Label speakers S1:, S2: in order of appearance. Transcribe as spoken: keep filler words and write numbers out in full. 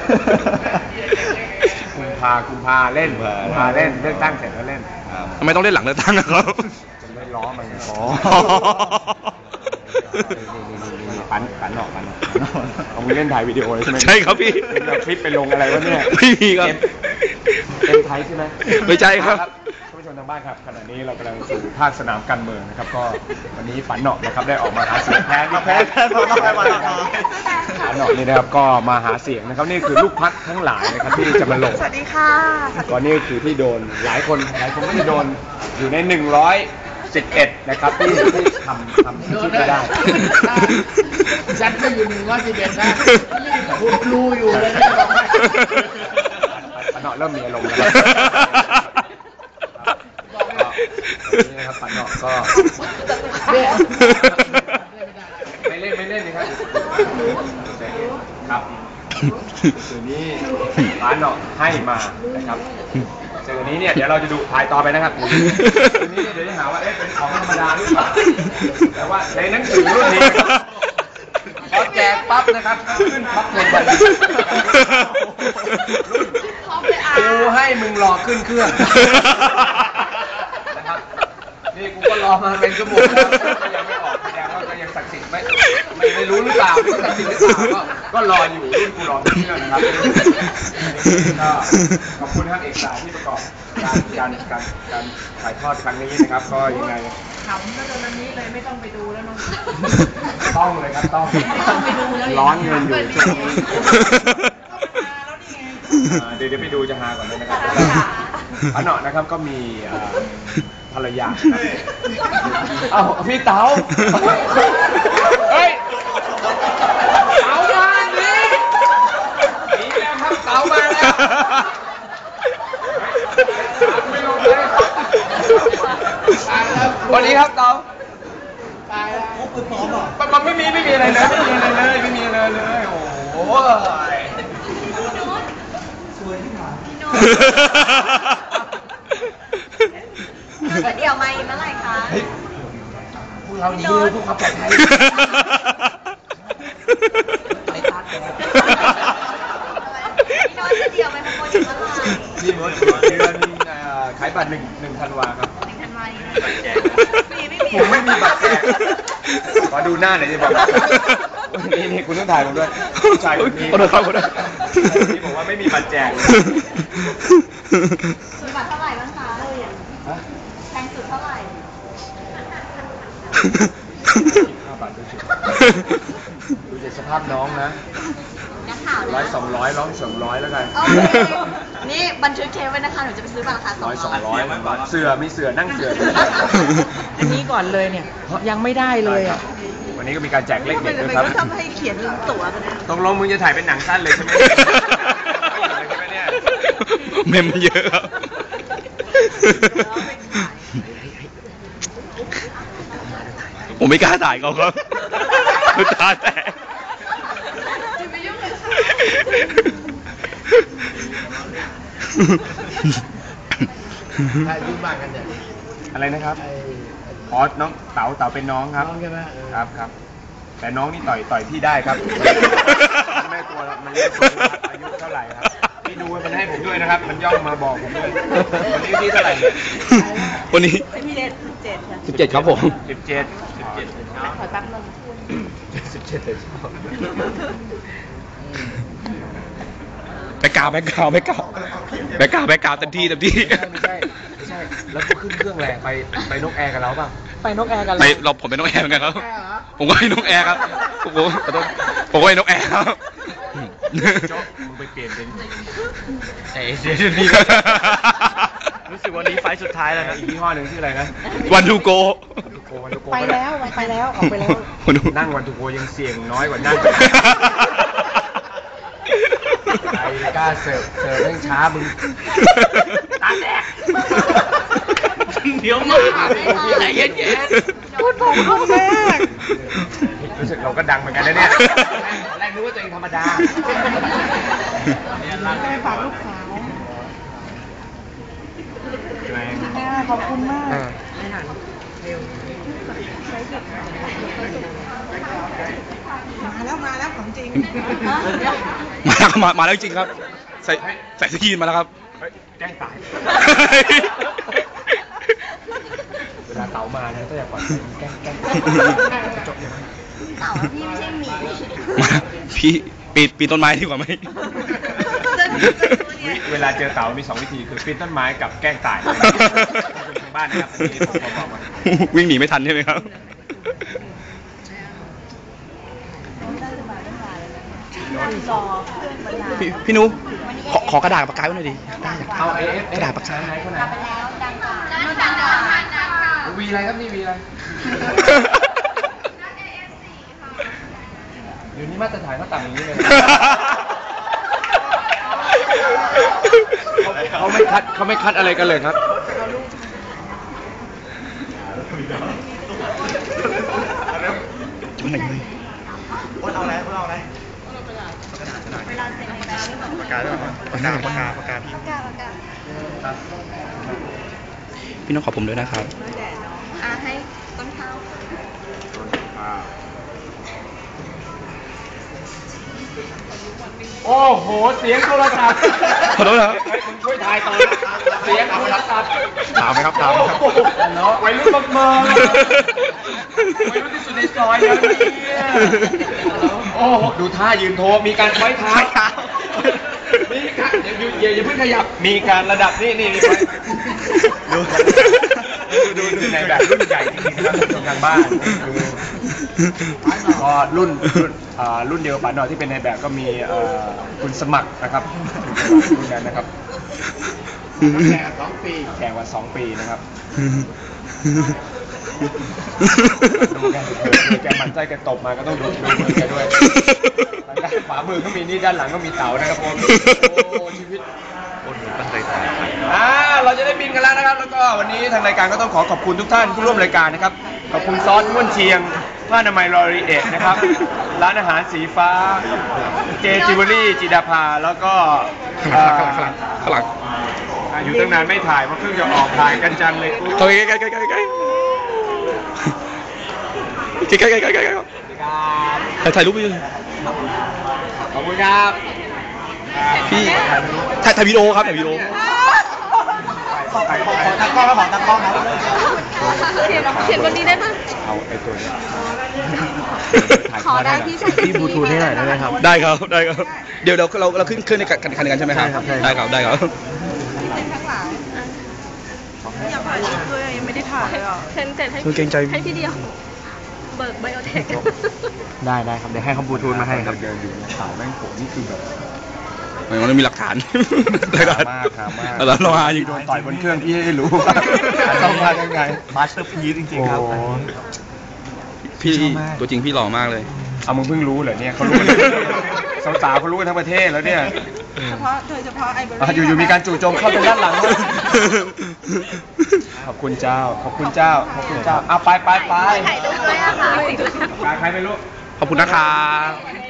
S1: กุมภากุมภาเล่นกุมภาเล่นเลือกตั้งเสร็จแล้วเล่น
S2: ทำไมต้องเล่นหลังเลือกตั้งนะครับ
S1: จะได้ล้อมันอ๋อปันปันหนอกปันหนอกเอาไปเล่นถ่ายวิดีโอเลยใช่ไหม
S2: ใช่ครับพี่
S1: เอาคลิปไปลงอะไรวะเนี่ย
S2: ไม่มีครับ
S1: เอ็มไทยใช่ไหม
S2: ไม่ใช่ครับ
S1: ท่านผู้ชมทางบ้านครับขณะนี้เรากำลังสู่ภาคสนามการเมืองนะครับก็วันนี้ปันหนอกนะครับได้ออกมาหาเสียงแพ้แพ้แพ้พอแพ้มาปันหนอกนี่นะครับก็มาหาเสียงนะครับนี่คือลูกพักทั้งหลายนะครับที่จะมาลง
S3: สวัสดีค่ะ
S1: ก่อนนี้คือที่โดนหลายคนหลายคนที่โดนอยู่ในหนึ่งร้อยสิบเอ็ดนะครับที่ที่ทำทำที่ไม่ได้
S3: ฉันก็อยู่หนึ่งร้อยสิบเอ็ดนะคุณครูอยู่เลยนะบอกให้
S1: ปันหนอกเริ่มมีอารมณ์แล้วนี่นะครับปันหนอกก็ไม่เล่นไม่เล่นนะครับครับสื่อนี้ปันหนอกให้มานะครับสื่อนี้เนี่ยเดี๋ยวเราจะดูถ่ายต่อไปนะครับสื่อนี้เดี๋ยวจะหาว่าเอ๊ะเป็นของธรรมดาหรือเปล่าแต่ว่าในหนังสือรุ่นนี้พอแจกปั๊บนะครับขึ้นปั๊บเลยไปกูให้มึงรอขึ้นเครื่องนะครับนี่กูก็รอมาเป็นชั่วโมงแล้วยังไม่ออกแสดงว่าก็ยังศักดิ์สิทธิ์ไม่ไม่ไม่รู้หรือเปล่าไม่ศักดิ์สิทธิ์หรือเปล่าก็ก็รออยู่รุ่นกูรอขึ้นเครื่องนะครับก็ขอบคุณท่านเอกสารที่ประกอบการการการการถ่ายทอดครั้งนี้นะครับก็ยังไง
S3: ขำก็จนวันนี้เลยไม่ต้องไปดูแล้วน้อง
S1: ต้องเลยครับต้องร้อนเงินอยู่ช่วงนี้เดี๋ยวเดี๋ยวไปดูจะหาก่อนเลยนะครับอันหนอนะครับก็มีภรรยาเอ้าพี่เต๋าเฮ้ยเต๋ามาดิหนีแล้วครับเต๋ามาแล้วไม่ลงเลยวันนี้ครับเต๋าตายแล้วเขาปืนปลอมหรอมันไม่มีไม่มีอะไรเลยไม่มีอะไรเลยไม่มีอะไรเลยโอ้โหสวยที่หาพี่โน้
S4: ตเดี๋ยวมาอีกเมื่อไหร่คะ
S1: พวกเราดีเลยพวกเขาปลอดภัยไปตัดเลย
S4: พี่โน้ตเดี๋ยวไปขโมยถึงเมื่อไหร่
S1: นี่เมื่อเดือนขายบัตรหนึ่งหนึ่งธันวาครับ
S4: หนึ่งธันวา
S1: ไม่มีผมไม่มีบัตรแจกขอดูหน้าหน่อยสิบอกนี่นี่คุณต้องถ่ายผมด้วยผู้ชายคนนี้
S2: คนละคนละ
S1: ที่บอกว่าไม่มีบัตรแจก
S4: สุดบัตรเท่าไหร่บ้างคะแพงสุดเท่าไหร่
S1: ห้าบาทดูสิดูจากสภาพน้องนะร้อยสองร้อยร้องสองร้อยแล้วกัน
S4: นี่บันทึกเทปไว้นะคะหนูจะไปซื้อบัตรราคาสองร้อย
S1: สองร้อยเสือมีเสือนั่งเสือ
S3: อันนี้ก่อนเลยเนี่ยยังไม่ได้เลยอ่ะ
S1: วันนี้ก็มีการแจกเลขเด็ดด้วยครับ
S4: ทำให้เขียนตั๋วกันนะ
S1: ตรงลงมึงจะถ่ายเป็นหนังสั้นเลยใช่ไหมใช่ไหมเนี่ย
S2: เมมเยอะครับผมไม่กล้าถ่ายเขาครับตาแตก
S3: ใครยุ่งบ้างกันเนี่ย
S1: อะไรนะครับอ๋อน้องเต๋าเต๋าเป็นน้องครับ
S3: น้องใช่ไหม
S1: ครับครับแต่น้องนี่ต่อยต่อยพี่ได้ครับแม่ตัวมันเรียกอายุเท่าไหร่ครับพี่ดูมันให้ผมด้วยนะครับมันย่องมาบอกผมด้วยวันนี้พี่เท่าไหร่เนี่ย
S2: วันนี้
S4: สิบเจ็ดสิบเจ็ด
S2: สิบเจ็ดครับผม
S1: สิบเจ็ดสิบเจ็ด
S4: ขอตั้งลง
S1: สิบเจ็ดเลยชอบ
S2: แบกกาวแบกกาวแบกกาวแบกกาวแบกกาวเต็มที่เต็มที่
S1: ไม่ใช่ไม่ใช่แล้วก็ขึ้นเครื่องแรงไปไปนกแอร์กันแล้วป่ะ
S3: ไปนกแอร์กัน
S2: ไปเราผมเป็นนกแอร์เหมือนกันครับผมก็ให้นกแอร์ครับผมผมก็ให้นกแอร์ครับ
S1: โจ๊กมึงไปเปลี่ยนเป็น
S2: เอเชียนี่
S1: รู้สึกวันนี้ไฟสุดท้ายแล้วนะอีกยี่ห้อหนึ่งชื่ออะไรนะ
S2: วันทูโก
S3: ไปแล้วไปแล้วออกไปแล้ว
S1: นั่งวันทูโกยังเสี่ยงน้อยกว่านั่งไอ้กล้าเสิร์ฟเสิร์ฟเร่งช้ามึงตาแดก
S2: เดี๋ยวมาใจเย็น
S3: ๆพูดผมเขาแม่
S1: รู้สึกเราก็ดังเหมือนกันนะเนี่ยแรกนึกว่าตัวเองธรรมดา
S3: เนี่ยรักฝากลูกสาวขอบคุณมากมาแล้วมาแล้วของจริง
S2: มาแล้วมามาแล้วจริงครับ ใส่ใส่สกีนมาแล้วครับ
S1: เฮ้ยแกล้งตาย เวลาเต๋ามาเนี่ยก็อย่าปล่อยแกล้งแกล้งจบยังไง
S4: เต่าพี่ไม่ใช่หมี
S2: มาพี่ปีนปีนต้นไม้ดีกว่าไหม
S1: เวลาเจอเต๋ามีสองวิธีคือปีนต้นไม้กับแกล้งตายทางบ้านนะครับอันนี้ผมขอบอกมา
S2: วิ่งหนีไม่ทันใช่ไหมครับ พี่พี่นุขอขอกระดาษปากกาไว้หน่อยดิได้อยาก
S1: เอาเอฟ
S2: กระดาษปากกา
S1: ไหนคนไหน
S4: กลับไปแล้วดังกว่าดังกว่า
S1: วีอะไรครับนี่วีอะไรเดี๋ยวนี้มาตรฐานเขาต่ำอย่างนี้เลยเขาไม่คัดเขาไม่คัดอะไรกันเลยครับ
S2: จุ๊บหน่อยเลย
S3: คนเอาอะไรคนเอาอะไร
S4: เวลาเซ็นไปแล้ว
S3: ปากกาด้วยปากกาปากกาปากกาพี่
S4: ปากกาปากกา
S2: พี่น้องขอผมด้วยนะครับ
S4: อ่ะให้ต้นข้าว
S1: โอ้โหเสียงโทรศัพท์
S2: ขอโทษนะครับ
S1: เฮ้ยมึงช่วยถ่ายต่อเสียงโทรศัพท์
S2: ถามไหมครับถามไหมครับ
S1: เนาะวัยรุ่นบักเมอวัยรุ่นที่สุดในซอยแล้วเนี่ยโอ้โหดูท่ายืนโทรมีการไว้เท้ามีการอย่าอย่าอย่าเพิ่งขยับมีการระดับนี่นี่นี่ไปดูดูดูในแบบรุ่นใหญ่จริงๆนะครับทำการบ้านก็รุ่นรุ่นอ่ารุ่นเดียวกับป๋าหน่อยที่เป็นในแบบก็มีเอ่อคุณสมัครนะครับรุ่นนั้นนะครับ
S3: แก่สองปี
S1: แก่กว่าสองปีนะครับดูกันเถอะแกหมั่นใจแกตบมาก็ต้องดูดูมือแกด้วยทางด้านขวามือก็มีนี่ด้านหลังก็มีเต๋านะครับผมโอ้ชีวิต อ่าเราจะได้บินกันแล้วนะครับ แล้วก็วันนี้ทางรายการก็ต้องขอขอบคุณทุกท่านผู้ร่วมรายการนะครับ ขอบคุณซอสม้วนเชียงผ้าอนามัยลอรีเอทนะครับ ร้านอาหารสีฟ้า เจจิวเวลรี่จิดาภา แล้วก็
S2: ข้างหลังข้างหลังข้างหลัง
S1: อ่าอยู่ตั้งนานไม่ถ่ายเพราะเพิ่งจะออกถ่ายกันจังเลยอุ๊ย
S2: เข้าใกล้ใกล้ใกล้ใกล้ใกล้ใกล้ใกล้ใกล้ใกล้ใกล้
S1: สวัสดีครับ
S2: ถ่ายถ่ายรูปไปเลย
S1: ขอบคุณครับ
S2: พี่ถ่ายถ่ายวิดีโอครับถ่ายวิดีโอ
S3: ขอตั้งกล้องแล้วขอตั้งกล้องนะ
S4: เขียนเขียนบนนี้ได้ปะ
S1: เอาไอ้ตัวนี้
S4: ขอได้พี่ใส่
S3: พี่บลูทูธให้หน่อยได้ไหมครับ
S2: ได้ครับได้ครับเดี๋ยวเราเราเราขึ้นขึ้นในกันคันกันใช่ไหมครับ
S3: ใช่ครับใช่
S2: ได้ครับได้ครับ
S4: เซ็นข้างหลังอยากถ่ายรูปด้วยยังไม่ได้ถ่ายเลยอ่ะเซ็นเสร็จให้
S2: คือเกรงใจ
S4: ให้พี่เดียว เบิกไบโอเทค
S3: ได้ได้ครับเดี๋ยวให้เขาบลูทูธมาให้ครับ
S1: เดินอยู่ในเสาแม่งโผล่นี่คือแบบ
S2: มันมีหลักฐานหลักฐาน
S1: มากครับมาก
S2: แล้วเราหาอยู่
S1: โดนต่อยบนเครื่องพี่ให้รู้ว่าต้องมายังไง
S3: มาสเตอร์พีซจริงๆครับ
S1: โอ้
S2: พี่
S3: ชอบมาก
S2: ตัวจริงพี่หล่อมากเลย
S1: เอามึงเพิ่งรู้เหรอเนี่ยเขารู้กันสาวๆเขารู้กันทั้งประเทศแล้วเนี่ย
S4: เฉพาะโดยเฉพาะไอเบอร์
S1: อ่ะอยู่ๆมีการจู่โจมเข้าทางด้านหลังด้วยขอบคุณเจ้า ขอบคุณเจ้า ขอบคุณเจ้าเอาไปไปไป
S4: ถ่ายรูปด้วยอะค่ะ
S1: ใครไม่รู้
S2: ขอบคุณนะครับ